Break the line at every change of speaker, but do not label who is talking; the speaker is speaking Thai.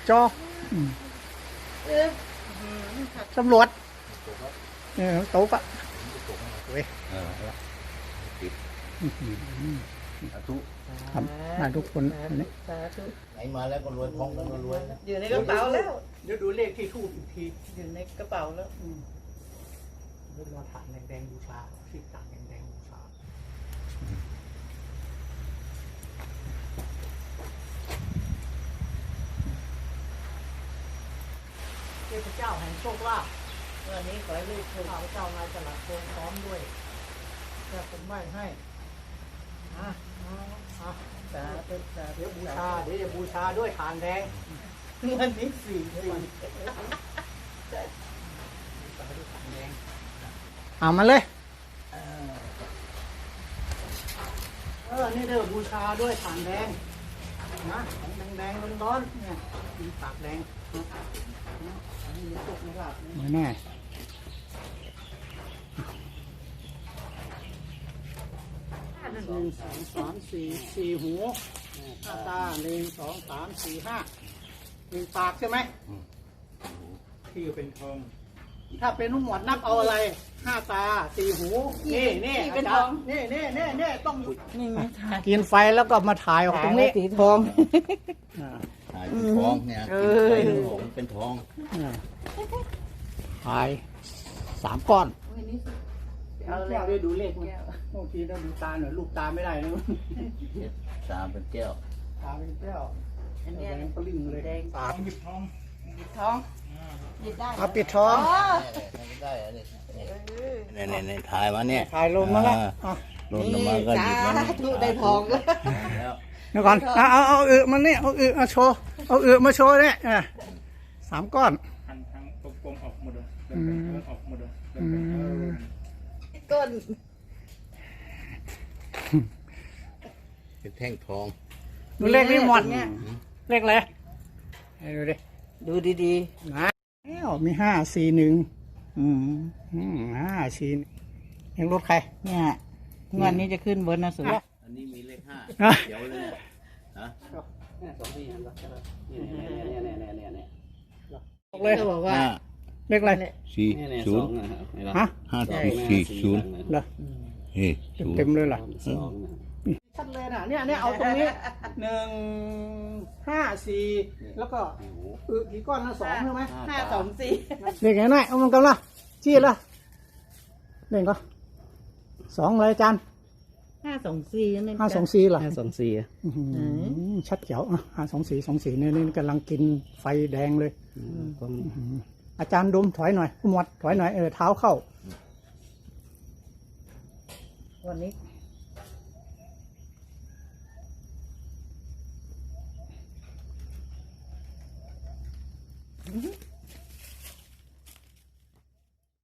จอตำรวจตกอ่ะเว้ยครับมาทุกคนนี่
ไหนมาแล้วก็รวยท้องแล้วก็รวยนะ
อยู่ในกระเป๋าแล้ว
เดี๋ยวดูเลขที่ทูบอีกที
อยู่ในกระเป๋าแล้ว
เดี๋ยวรอฐานแดงๆบูชาที่ฐานแดงๆบูชาเทพเจ้าแห่งโชคลาภ
วันนี้ขอให้ลูกถูก
ข้าพเจ้านายสลัดโคนพร้อมด้วยจะเป็นไหว้ให้อ่ะ
สาธุสาธุ
เดี๋ยวบูชาเดี๋ยวจะบูชาด้วยฐานแดง
วันนี้สี่
เอามาเลยนี่เด้อบูชาด้วยฐานแดงนะของแดงๆร้อนๆเนี่ยมีปากแดงอันนี้มีตุกในหลับไม่แน่1 2 3 4 4หู5 ตา1 2 3 4 5 1 ปากใช่ไหมที่เป็นทองถ้าเป็นนุ่มหมวดนับเอาอะไร5 ตา4 หูนี่เป็นทองนี่ต้อง
นี่ไม่ทาน
กินไฟแล้วก็มาถ่ายออกตรงนี้
สีทอง
ถ่ายเป็นท้องเนี่ยเป็นท้อง
ถ่าย3 ก้อน
เอาเล
แก้
ยว
ด้วยดูเลขมั้ยบางทีต้องดูตาหน่อยลูกตาไม่ได้นะ
ตาเป็นแก้ว
ตาเป็นแก้ว
อันเนี้ย
แดงปลิ้งเลย
แดง
ปาก
หยิบทองหยิบได้
เอาปิดทอง
ได้เนี่ยถ่ายมาเนี่ย
ถ่ายลงมาแล้ว
ลงมาก็หยิบมา
ทุได้ทองแล้ว
แล้ว
เดี๋ยวก่อนเอามันนี่เอามาโชว์เอามาโชว์เนี่ย3 ก้อน
ทางกลมๆออกหมดเลยเดินออกหมดเลย
ต้น
เป็นแท่งทอง
ดูเลขนี่หมดเนี่ยเลขอะไรให้ดูดิ
ดูดี
นะแล้วมี541 541ยังรถใคร
ๆเนี่ยงวดนี้จะขึ้นบนนะสุด
อันนี้มีเลข5เดี๋ยวเลยฮะ
เลย
ก็บอกว่า
เลขอะไร
40
ฮะ
5040
เหรอ
เฮ้ย
เต็มเลยเหรอชัดเลยนะเนี่ยเอาตรงนี้1 5 4แล้วก็กี่ก้อนนะ2ใช่ไหม
524
เลขไหนไหนเอามันกันละชี้ละเลขก็2เลยอาจารย์
524นั่น
524เหรอ
524
ชัดเจ๋ว524เนี่ยนี่กำลังกินไฟแดงเลยอาจารย์ดมถอยหน่อยผู้หมวดถอยหน่อยเท้าเข้า
วันนี้